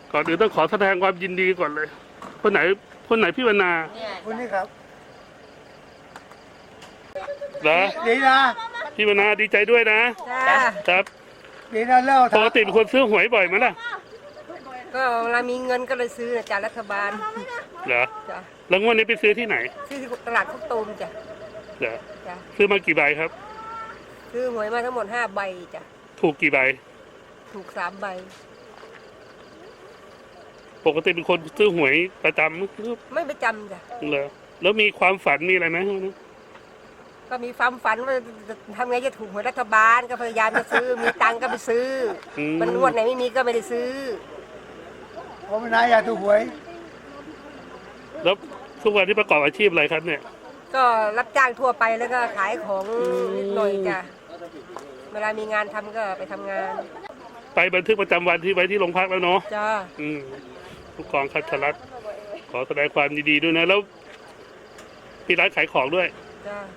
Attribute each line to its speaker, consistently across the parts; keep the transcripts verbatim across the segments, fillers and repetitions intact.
Speaker 1: ก่อนอื่นต้องขอแสดงความยินดีก่อนเลยคนไหนคนไหนพี่วรรณา
Speaker 2: คนนี้ครับ
Speaker 1: เหรอ
Speaker 2: ดีนะ
Speaker 1: พี่วรรณาดีใจด้วยนะ
Speaker 3: จ้า
Speaker 1: ครับ
Speaker 2: ดีนะเล่า
Speaker 1: ปกติเป็นคนซื้อหวยบ่อยไหมล่ะ
Speaker 3: ก็เวลามีเงินก็เลยซื้อนะจากรัฐบาล
Speaker 1: เหรอ
Speaker 3: จ้ะ
Speaker 1: แล้วงวดนี้ไปซื้อที่ไหน
Speaker 3: ซื้อที่ตลาดข้าวต้มจ้ะ
Speaker 1: เหรอ
Speaker 3: จ้ะ
Speaker 1: ซื้อมากี่ใบครับ
Speaker 3: ซื้อหวยมาทั้งหมดห้าใบจ้ะ
Speaker 1: ถูกกี่ใบ
Speaker 3: ถูกสามใบ
Speaker 1: ปกติเป็นคนซื้อหวยประจำ
Speaker 3: ไม่ประจำจ้ะ
Speaker 1: เหรอแล้วมีความฝันมีอะไรไหม
Speaker 3: ก็มีความฝันว่าจะทำไงจะถูกหวยรัฐบาลก็พยายามจะซื้อ มีตังค์ก็ไปซื้อ
Speaker 1: อืม
Speaker 3: มันงวดไหนไม่มีก็ไม่ได้ซื้อ
Speaker 2: ผมเป็นนายอยากถูกหวย
Speaker 1: แล้วทุกวันที่ประกอบอาชีพอะไรครับเนี่ย
Speaker 3: ก็รับจ้างทั่วไปแล้วก็ขายของนิดหน่อยจ้ะเวลามีงานทำก็ไปทำงาน
Speaker 1: ไปบันทึกประจำวันที่ไว้ที่โรงพักแล้วเนาะ
Speaker 3: จ้า
Speaker 1: อืมผู้กองคัทรัตน์ขอแสดงความยินดีด้วยนะ แล้วพี่ร้านขายของด้วย
Speaker 3: จ้า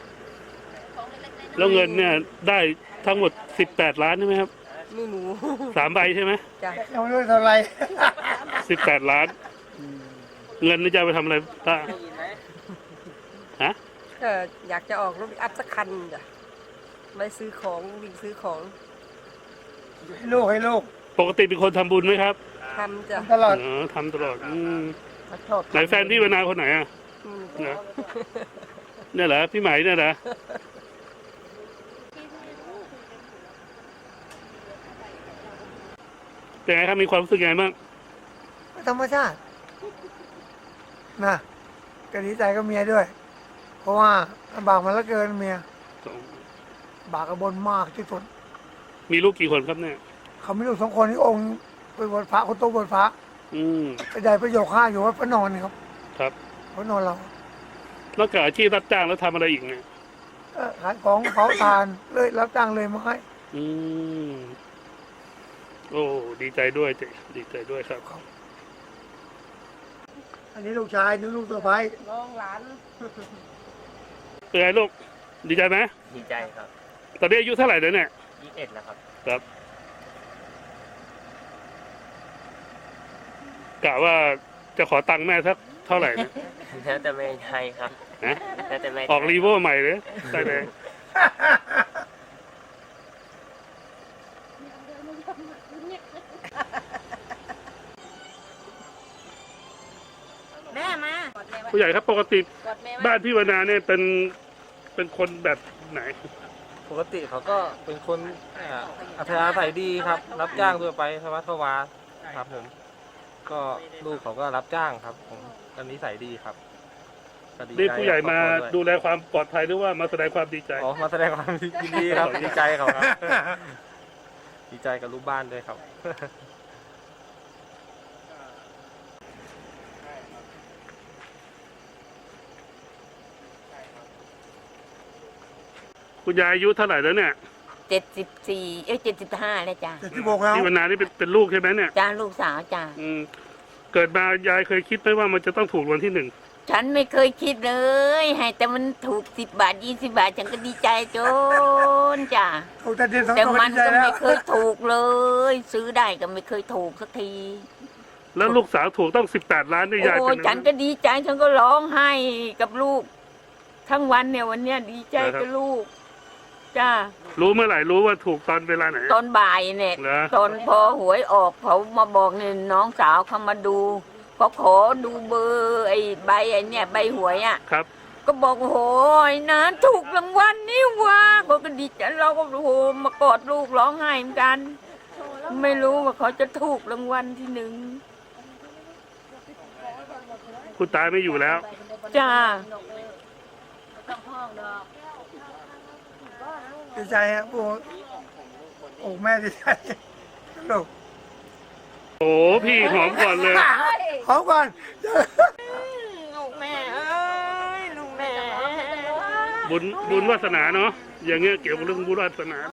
Speaker 1: แล้วเงินเนี่ยได้ทั้งหมดสิบแปดล้านใช่ไหมครับ
Speaker 3: ไม่รู้
Speaker 1: สามใบใช่ไหม
Speaker 3: จ้ะ
Speaker 2: ยังไม่รู้เท่าไหร
Speaker 1: สิบแปดล้าน เงินนี่จะเอาไปทำอะไรป้าฮะ
Speaker 3: ก็อยากจะออกรถอัพสักคันจ้ะไปซื้อของวิ่งซื้อของ
Speaker 2: ให้ลูกให้ลูก
Speaker 1: ปกติเป็นคนทำบุญไหมครับ
Speaker 3: ทำจ้ะ
Speaker 2: ตลอด
Speaker 1: เออทำตลอดอืม
Speaker 3: ชอบ
Speaker 1: ไหนแฟนพี่วนาคนไหนอ่ะ
Speaker 3: อืม
Speaker 1: เหรอเนี่ยเหรอพี่ไหมเนี่ยนะเป็นไงครับมีความรู้สึกยังไงบ้าง
Speaker 2: ธรรมชาตินะก็ดีใจกับเมียด้วย เพราะว่าลำบากมาแล้วเกินเมียบากกระบนมากที่สุด
Speaker 1: มีลูกกี่คนครับเนี่ย
Speaker 2: เขาไม่รู้สองคนที่องค์ไปบวชพระคนโตบวชพระ
Speaker 1: อืม
Speaker 2: ไปได้ประโยคห้าอยู่วัดพระนอนนี่ครับ
Speaker 1: ครับ
Speaker 2: พระนอนเรา
Speaker 1: นอกจากอาชีพรับจ้างแล้วทำอะไรอีกเนี่ย
Speaker 2: เออขายของเผาทานเลยรับจ้างเลยไม้
Speaker 1: อืมโอ้ดีใจด้วยเจดีใจด้วยครับ
Speaker 2: อันนี้ลูกชายนี่ลูกสะใภ้
Speaker 3: น้องหลาน
Speaker 1: เป็นไงลูกดีใจไหม
Speaker 4: ดีใจครับ
Speaker 1: ตอนนี้อายุเท่าไหร่แล้วเนี่ย
Speaker 4: ยี่สิบเอ็ดแล้วครับ
Speaker 1: ครับกะว่าจะขอตังค์แม่สักเท่าไหร่เนี่ย
Speaker 4: แล้วแต่ไม่ให้ครับ
Speaker 1: นะ
Speaker 4: แล้วแต่ไม่
Speaker 1: ออกรีโวใหม่เลยใช่เลย
Speaker 3: แม่มา
Speaker 1: ผู้ใหญ่ครับปกติ
Speaker 3: กดแม่
Speaker 1: บ้านพี่วนาเนี่ยเป็นเป็นคนแบบไหน
Speaker 5: ปกติเขาก็เป็นคนอ่าอัธยาศัยดีครับ รับจ้างทั่วไปสวัสดิ์วาครับผม ก็ลูกเขาก็รับจ้างครับ ผมก็นิสัยดีครับก็ดี
Speaker 1: เรียก
Speaker 5: ใจ
Speaker 1: ผู้ใหญ่มา
Speaker 5: กับครอบครัว
Speaker 1: ดูแลความปลอดภัยหรือว่ามาแสดงความดีใจ
Speaker 5: อ๋อมาแสดงความยินดีครับ ดีใจเขาครับ ดีใจกับลูกบ้านด้วยครับ
Speaker 1: คุณยายอายุเท่าไหร่แล้วเนี่ย
Speaker 6: เจ็ดสิบสี่เอ้ยเจ็ดสิบห้าเลยจ้ะ
Speaker 2: เจ็ดสิบหกแล้ว
Speaker 1: พี่วนานี่เป็นเป็นลูกใช่ไหมเนี่ย
Speaker 6: จ้าลูกสาวจ้า
Speaker 1: อืมเกิดมายายเคยคิดไหมว่ามันจะต้องถูกรางวัลที่หนึ่ง
Speaker 6: ฉันไม่เคยคิดเลย ให้แต่มันถูกสิบบาทยี่สิบาท ฉันก็ดีใจจนจ้า
Speaker 2: ถูกแต่เดียวสอง
Speaker 6: แต่
Speaker 2: ตัว
Speaker 6: มัน
Speaker 2: ดีใจ
Speaker 6: ก็
Speaker 2: แล้ว
Speaker 6: ไม่เคยถูกเลย ซื้อได้ก็ไม่เคยถูกสักที
Speaker 1: แล้วลูกสาวถูกต้องสิบแปดล้านนี่ยาย
Speaker 6: โอ้
Speaker 1: เป็
Speaker 6: ย
Speaker 1: น
Speaker 6: ฉันก็ดีใจฉันก็ร้องไห้กับลูก ทั้งวันเนี่ยวันเนี้ยดีใจกับลูกจ้า
Speaker 1: รู้เมื่อไหร่รู้ว่าถูกตอนเวลาไหน
Speaker 6: ตอนบ่ายเนี่ย
Speaker 1: เหรอ
Speaker 6: ตอนพอหวยออกเขามาบอกเนี่ยน้องสาวเขามาดูเขาขอดูเบอร์ไอ้ใบไอ้เนี่ยใบหวยอ่ะ
Speaker 1: ครับ
Speaker 6: ก็บอกโอ้โหนะถูกรางวัลนี่ว่าเขาก็ดีใจเราก็โอ้โหมากอดลูกร้องไห้เหมือนกัน ไม่รู้ว่าเขาจะถูกรางวัลที่หนึ่ง
Speaker 1: คุณตาไม่อยู่แล้ว
Speaker 6: จ้า
Speaker 2: ดีใจฮะโอ้โอ้แม่ดีใจลูก
Speaker 1: โอ้พี่หอมก่อนเลย
Speaker 2: ขอก่อน
Speaker 6: ลูกแม่เอ้ยลูกแม่
Speaker 1: บุญบุญวาสนาเนาะอย่างเงี้ยเกี่ยวกับเรื่องบุญวาสนา